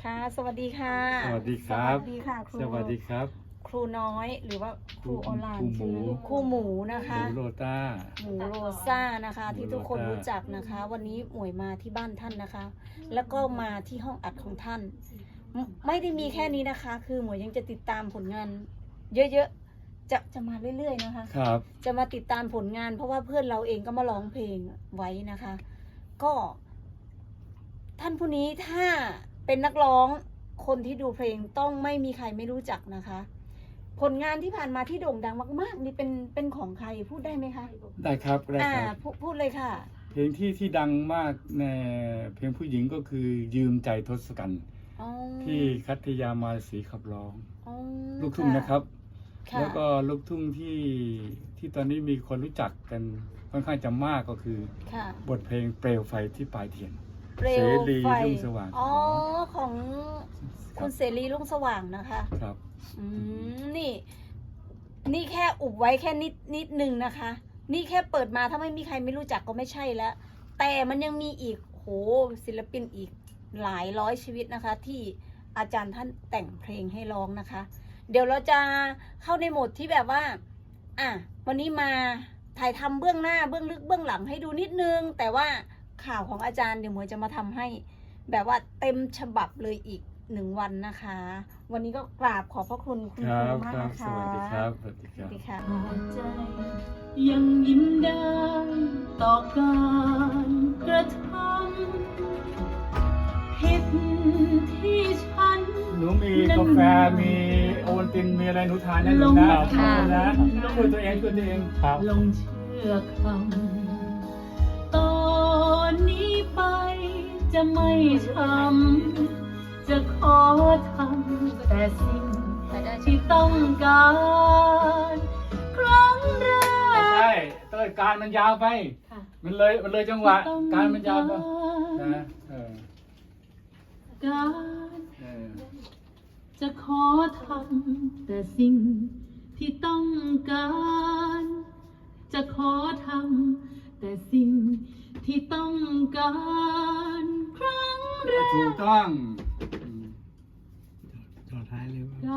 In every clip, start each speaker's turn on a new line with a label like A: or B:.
A: ค่ะสวัสดีค่ะ
B: สวัสดีครับ
A: สวัสดีค่ะครู
B: สวัสดีครับ
A: ครูน้อยหรือว่าครูออนไลน์
B: ครูหมู
A: ครูหมูนะ
B: ห
A: คะ
B: มูโรต้า
A: หมูโรซ่านะคะ
B: หมู
A: ที่ทุกคน
B: โรซ่า
A: รู้จักนะคะ วันนี้หมวยมาที่บ้านท่านนะคะ แล้วก็มาที่ห้องอัดของท่าน ไม่ได้มีแค่นี้นะคะ คือหมวยยังจะติดตามผลงานเยอะๆจะมาเรื่อยๆนะคะ
B: ครับ
A: จะมาติดตามผลงาน เพราะว่าเพื่อนเราเองก็มาร้องเพลงไว้นะคะ ก็ท่านผู้นี้ถ้าเป็นนักร้องคนที่ดูเพลงต้องไม่มีใครไม่รู้จักนะคะ ผลงานที่ผ่านมาที่โด่งดังมากๆนี่เป็นของใครพูดได้ไหมคะ
B: ได้ครับได้ครับ
A: พูดเลยค่ะ
B: เพลงที่ดังมากในเพลงผู้หญิงก็คือยืมใจทศกัณฐ์
A: อ๋อ
B: ที่คัตยามาศรีขับร้อง
A: อ๋อ
B: ลูกทุ่งนะครับ
A: ค่ะ
B: แล้วก็ลูกทุ่งที่ตอนนี้มีคนรู้จักกันค่อนข้างจะมากก็คือ
A: ค่ะ
B: บทเพลงเปลวไฟที่ปลายเทียน
A: เปลว
B: เสรี
A: ไฟ
B: รุ่งสว่าง
A: อ๋อของคุณเสรีรุ่งสว่างนะคะ
B: ครับ
A: นี่แค่อุบไว้แค่นิดนึงนะคะ นี่แค่เปิดมาถ้าไม่มีใครไม่รู้จักก็ไม่ใช่แล้ว แต่มันยังมีอีกโหศิลปินอีกหลายร้อยชีวิตนะคะ ที่อาจารย์ท่านแต่งเพลงให้ร้องนะคะ เดี๋ยวเราจะเข้าในโหมดที่แบบว่าวันนี้มาถ่ายทำเบื้องหน้าเบื้องลึกเบื้องหลังให้ดูนิดนึง แต่ว่าข่าวของอาจารย์เดี๋ยวหมวยจะมาทำให้ แบบว่าเต็มฉบับเลยอีก1 วันนะคะ วันนี้ก็กราบขอบพระคุณคุณ
B: ค
A: ค
B: รั
A: รู
B: บ
A: มาก
B: ครับ
A: นะคะ
B: สวัสดีครับสวัสดีค
A: ส
B: รั
A: วั
B: บ
A: สดีค่ะ
C: ใจยังยิ้มได้ต่อการกระทำผิดที่ฉัน
B: หนูมีกาแฟมีโอวัลตินมีอะไรหนูทานนะหนูนะ
C: ลง
A: ค่ะ
B: นะช่วยตัวเองช่วยตัวเองครับ
C: ลงเชื่อคำตอนนี้ไปจะไม่ช้ำจะขอทำแต่สิ่งที่ต้องการ ครั้งแร
B: ไม่
C: ก
B: ใช่เต้ยการมันยาวไป
C: ค่ะ
B: มันเลยจังหวะ การมันยาวไปนะ
C: การ จะขอทำแต่สิ่งที่ต้องการ จะขอทำแต่สิ่งที่ต้องการ ครั้งแร
B: ถู
C: ก
B: กต้อง
D: ต่อท้ายเลยว่า
C: การ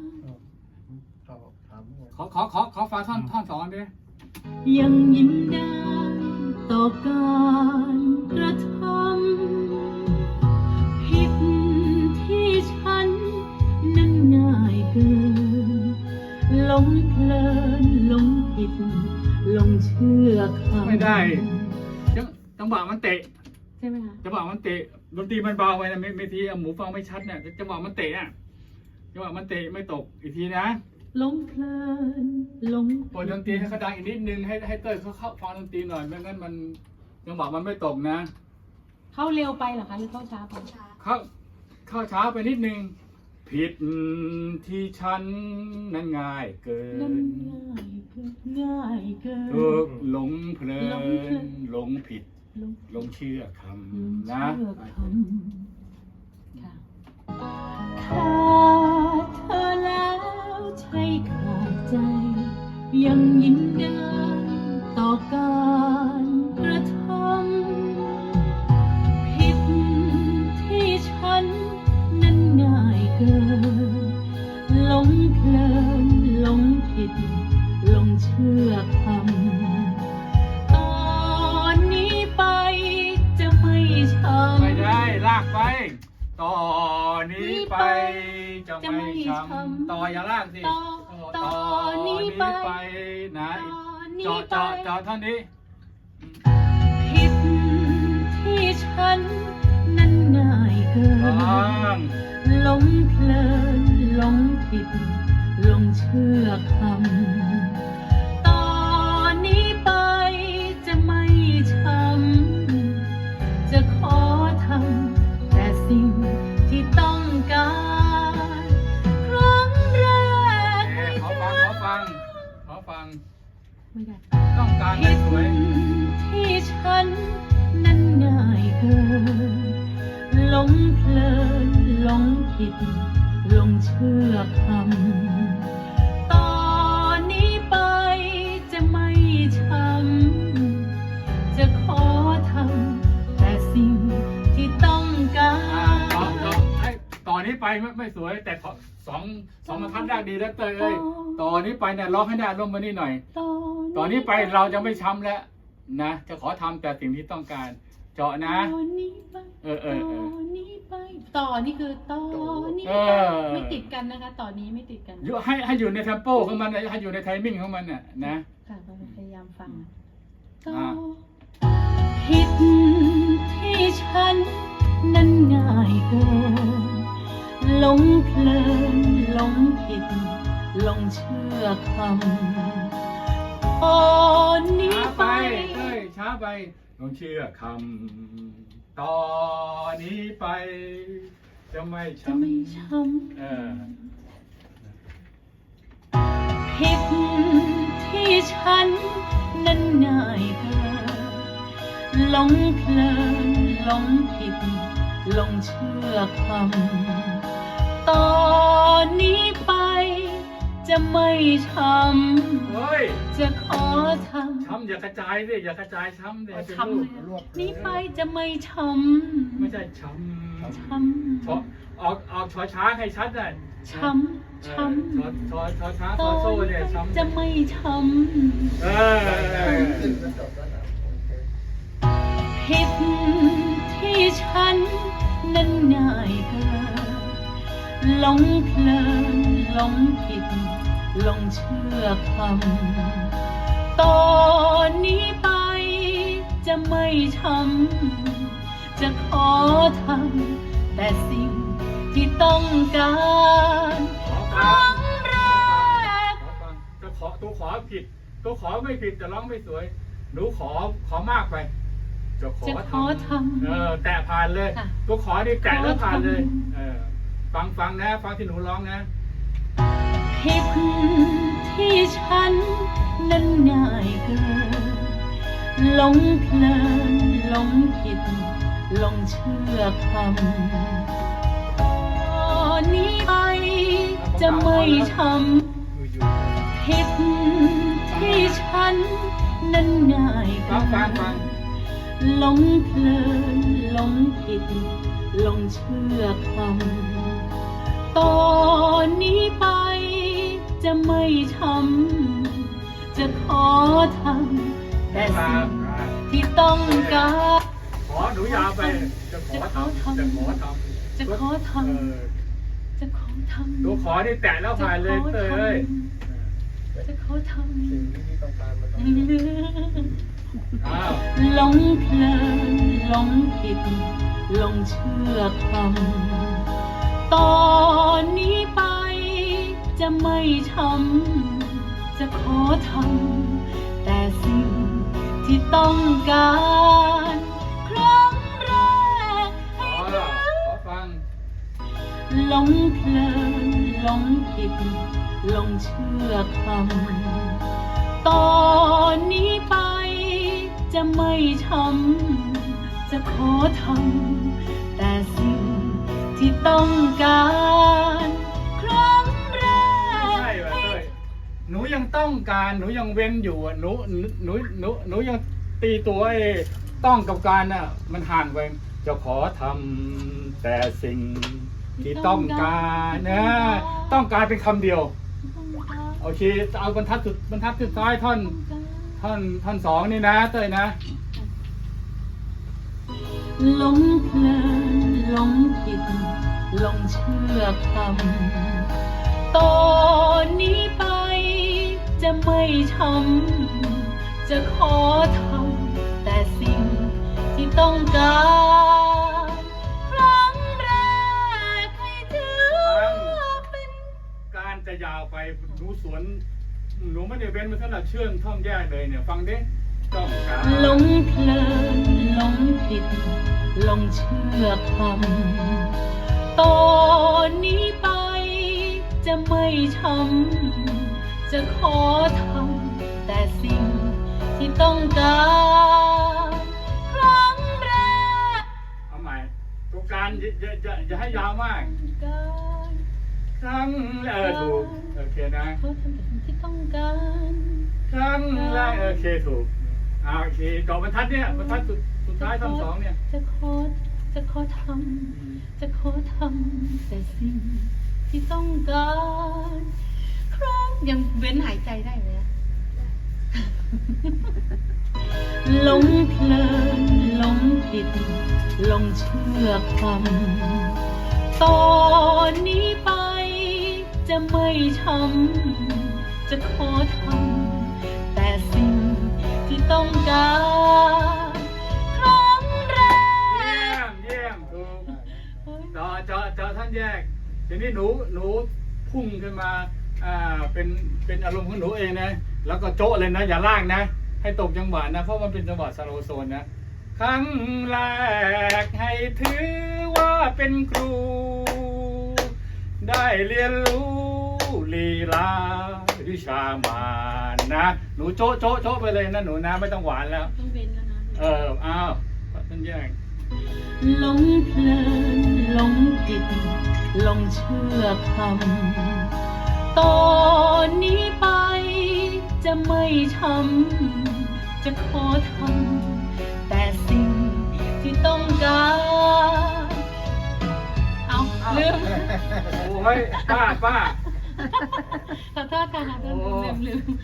B: ขอฟังท่อนสองดิ
C: ยังยิ้มได้ต่อการกระทำผิดที่ฉันนั้นง่ายเกินหลงเพลินหลงผิดหลงเชื่อคำ
B: ไม่ได้จังหวะมันเตะ
C: ใช่ไหมคะ
B: จังหวะมันเตะดนตรีมันเบาไปนะไม่ทีหมูฟังไม่ชัดเนี่ยจังหวะมันเตะอ่ะจังหวะมันเตะไม่ตกอีกทีนะ
C: หลงเพลินหลง
B: เปิดดนตรีให้เขาดังอีกนิดนึงให้เต้ยเขาเข้าฟังดนตรีหน่อยไม่งั้นมันจังหวะมันไม่ตกนะ
C: เข้าเร็วไปเหรอคะหรือเข้าช้าไป
B: เข้าช้าไปนิดนึงผิดที่ฉันนั้นง่ายเกิ
C: นั่น
B: น
C: ง่ายเกิน
B: ถูกหลงเพลิ
C: หลงเพลิ
B: น
C: น
B: หลงผิด
C: หลง
B: หลงเชื่อค
C: ลืม
B: ำนะ
C: เชื่อคำค่ะขาดเธอแล้วใช่ขาดใจ ยังยิ้มได้ต่อการกระทำผิดที่ฉันนั้นง่ายเกินหลงเพลินหลงผิดหลงเชื่อคำตอนนี้ไปจะไม่ช้ำ
B: ไม่ได้ลากไป ต่อนี้ไปจะไม่ช้ำต่ออย่าลากสิ
C: ต่อนี้ไป
B: นะ
C: ตอนนี้
B: เจาะ
C: ไป
B: เท่านี้
C: ผิดที่ฉันนั้นง่ายเกิน
B: ต้อง
C: หลงเพลินหลงผิดหลงเชื่อคำตอนนี้ไปจะไม่ช้ำจะขอทำแต่สิ่งที่ต้องการ ครั้งแรกให้
B: ขอ
C: เธ
B: ฟัง
C: อ
B: ขอฟัง
C: ไม่ได้
B: ต้องการให้
C: ผิด
B: สวย
C: ที่ฉันนั้นง่ายเกินหลงเพลินหลงผิดหลงเชื่อคำตอนนี้ไปจะไม่ช้ำจะขอทำแต่สิ่งที่ต้องการ
B: เจาะนี้ไปไม่สวย แต่สองบรรทัดได้ดีแล้วเต้ยเอ้ยต่อนี้ไปเนี่ยร้องให้ได้ร่มมานี่หน่อยต่อนนี้ไปเราจะไม่ช้ำแล้วนะจะขอทำแต่สิ่งที่ต้องการเจาะนะ
C: ต่อนี้ไป
B: เออ
C: ต่อนี้ไปต่อนี่คือต่อนี้
B: เอ
C: ไป
B: อ
C: ไม่ติดกันนะคะต่อนี้ไม่ติดกัน
B: ให้อยู่ในเทมโปของมันให้อยู่ในไทมิ่งของมันน่ะนะ
C: ค่ะเราพยายามฟัง
B: อ่า
C: ผิดที่ฉันนั้นง่ายเกินหลงเพลินหลงผิดหลงเชื่อคำตอนนี้
B: ช้า
C: ไป
B: ไปเอ้ยช้าไปต้องเชื่อคำต่อนนี้ไป จะไม่
C: จะไม่
B: ช้ำ
C: ช้
B: เออ
C: ำผิดที่ฉันนั้นง่ายเกินหลงเพลินหลงผิดหลงเชื่อคำตอนนี้ไป จะไม่ช้
B: เฮ้ย
C: ำจะขอท
B: ช้ำอย่ากระจายสิอย่ากระจายช้ำสิ
C: ำ
B: เป็น
C: ช้ำ
B: ลู
C: เล
B: ก
C: ยอะนี้ไปจะไม่ช้
B: ไม่ใช่ช้
C: ำช้
B: ำออกชอช้างให้ชัดน่ะ
C: ำช้ำช้ำ
B: ชอช้าง
C: ต
B: ช
C: อ
B: อนโซ่
C: นี้
B: เนี่ย
C: ไป
B: ช้ำ
C: จะไม่ช้ำ
B: เออ
C: ผิดที่ฉันนั้นง่ายเกินหลงเพลินหลงผิดหลงเชื่อคำตอนนี้ไปจะไม่ช้ำจะขอทำแต่สิ่งที่ต้องการ
B: ขอ
C: ค
B: ฟัง
C: รั้งแรก
B: ขอฟังตัวขอผิด ตัวขอไม่ผิดแต่ร้องไม่สวย หนูขอมากไป จะขอ
C: จะขอทำ
B: แตะผ่านเลย
C: ค่ะ
B: ตัวขอนี่แตะแล้วผ่านเลย
C: ขอทำ
B: ฟังนะ ฟังที่หนูร้องนะ
C: ผิดที่ฉันนั้นง่ายเกินหลงเพลินหลงผิดหลงเชื่อคำตอนนี้ไปจะไม่ช้ำผิดที่ฉันนั้นง่ายเกิ
B: ฟัง
C: นหลงเพลินหลงผิดหลงเชื่อคำตอนนี้ไปจะไม่ช้ำจะขอทำแต่สิ่งที่ต้องการ
B: ขอหนูยาวไป จะขอทำจะขอทำ
C: จะขอท
B: เออ
C: ำจะขอทำ
B: ตัวขอนี่แตะแล้วผ่านเลยเต้ยเอ้ย
C: จะขอท
D: สิ่งที่ต้องการมันต้อง
C: ำ
B: อ้าว
C: หลงเพลินหลงผิดหลงเชื่อคำตอนนี้ไปจะไม่ช้ำจะขอทำแต่สิ่งที่ต้องการครั้งแรกให้
B: ขอ
C: เธอ
B: ฟัง
C: หลงเพลินหลงผิดหลงเชื่อคำตอนนี้ไปจะไม่ช้ำจะขอทำแต่สิ่งที่ต้องการครั้งแร
B: ไม่
C: ก
B: ใช่ว่ะเต้ยหนูยังต้องการหนูยังเว้นอยู่อ่ะหนูยังตีตัวไอ้ต้องกับการน่ะ มันห่างไปจะขอทำแต่สิ่งที่ต้องการนะต้องการเป็นคำเดียว โอเคเอาบรรทัดสุดท้ายท่อนสองนี่นะเต้ยนะ
C: หลงเพลินหลงผิดหลงเชื่อคำตอนนี้ไปจะไม่ช้ำจะขอทำแต่สิ่งที่ต้องการครั้งแรกให้เธอเป็น
B: การจะยาวไปหนูสวนหนูไม่ได้เว้นมาสำหรับเชื่องท่องแยกเลยเนี่ย ฟังดิต้องการ
C: หลงเพลินหลงผิดหลงเชื่อคำตอนนี้ไปจะไม่ช้ำจะขอทำแต่สิ่งที่ต้องการครั้งแรก
B: เอาใหม่ตัวการอย่าให้ยาวมาก
C: การ
B: ครั้งถูกโอเคนะ
C: ขอทำแต่สิ่งที่ต้องการ
B: ครั้งแรกโอเคถูกโอเคต่อบรรทัดเนี่ยบรรทัดสุดท้ายท่อนสองเนี่ย
C: จะขอจะขอทำแต่สิ่งที่ต้องการครั้งยังเว้นหายใจได้ไหมอะหลงเพลินหลงผิดหลงเชื่อคำตอนนี้ไปจะไม่ช้ำจะขอทำแต่สิ่งที่ต้องการครั้งแรก
B: เยี่ยมถูกจอท่านแยกทีนี้หนูพุ่งขึ้นมาเป็นอารมณ์ของหนูเองนะแล้วก็โจ๊ะเลยนะอย่าลากนะให้ตกจังหวะนะเพราะมันเป็นจังหวะสโลว์โซนนะครั้งแรกให้ถือว่าเป็นครู ได้เรียนรู้ลีลาวิชามานนะหนูโจ๊ะไปเลยนะหนูนะไม่ต้องหวานแล้ว
C: ต้องเว้นแล้วนะ
B: อ้าวท่านแยก
C: หลงเพลินหลงผิดหลงเชื่อคำตอนนี้ไปจะไม่ช้ำจะขอทำแต่สิ่งที่ต้องการเอาลืม
B: โอ้ยป้า
C: ขอโทษค่ะลืม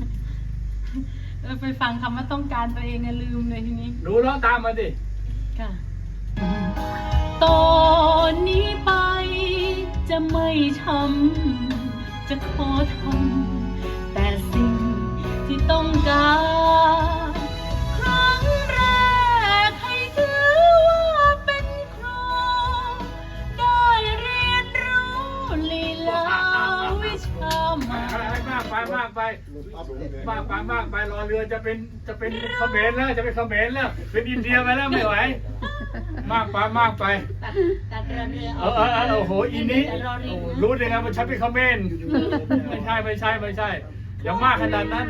C: ไปฟังคำว่าต้องการตัวเองลืมเลยทีนี้
B: หนูร้องตามมาดิ
C: ค่ะตอนนี้ไปจะไม่ช้ำจะขอทำแต่สิ่งที่ต้องการครั้งแรกให้ถือว่าเป็นครูได้เรียนรู้ลีลาวิชามาม
B: ากไปรอเรือจะเป็นเขมรแล้วจะเป็นเขมรแล้วเป็นอินเดียไปแล้วไม่ไหวมากไป
C: ตัดเรือ
B: โอ้โหอีนี้รู้ได้ไงว่าฉันเป็นเขมรไม่ใช่อย่ามากขนาดนั้น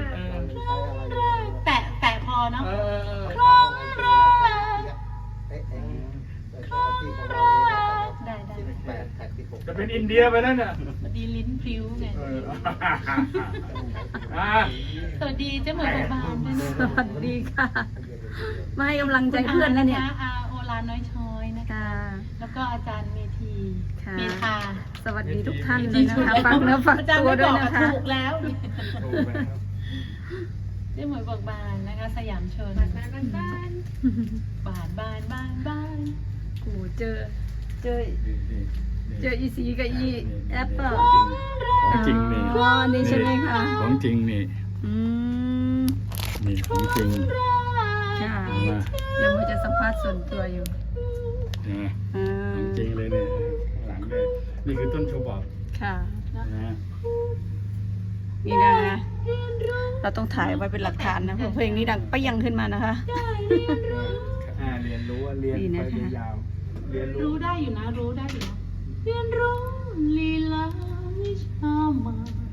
C: แต่พอเนาะ
B: ครั้งแรก
C: ได้
B: จะเป็นอินเดียไปแล้วเนี่ย
C: สวัสดีลิ้นพริ้วไงสวัสดีเจ้าเหมือนบานด้วยนะ
A: สวัสดีค่ะ มาให้กำลังใจเพื่อนแล้วเนี่ย
C: อาโอลานน้อยช้อยนะคะ
A: ค่ะ
C: แล้วก็อาจารย์เมธี
A: ค่ะ
C: เมธา
A: สวัสดีทุกท่านเลยนะคะฝากเนื้อฝากตัวด้วยนะคะ
C: ถูกแล้วเจ้าเหมือนบานนะคะ สยามชนบาน
A: โอ้เจออีซีกับอีแอปเปิล
B: ของจริงนี่
A: อ๋อนี่ใช่ไหมคะ
B: ของจริงนี่
A: อืม
B: นี่ของจริง
A: ค่ะ
B: เห็นไหม
A: เดี๋ยวมันจะสัมภาษณ์ส่วนตัวอยู่
B: เห็นไหม
A: อ่า
B: ของจริงเลยเนี่ยข้างหลังเนี่ยนี่คือต้นฉบับ
A: ค่ะ
B: นะ
A: นี่นะคะเราต้องถ่ายไว้เป็นหลักฐานนะเพราะเพลงนี้ดังไปยังขึ้นมานะคะ
B: เรียนรู้เรียน
A: ดีนะ
B: ไป
A: คะ
B: ยาวเรียนรู้
C: รู้ได้อยู่นะเรียนรู้ลีลาวิชามาน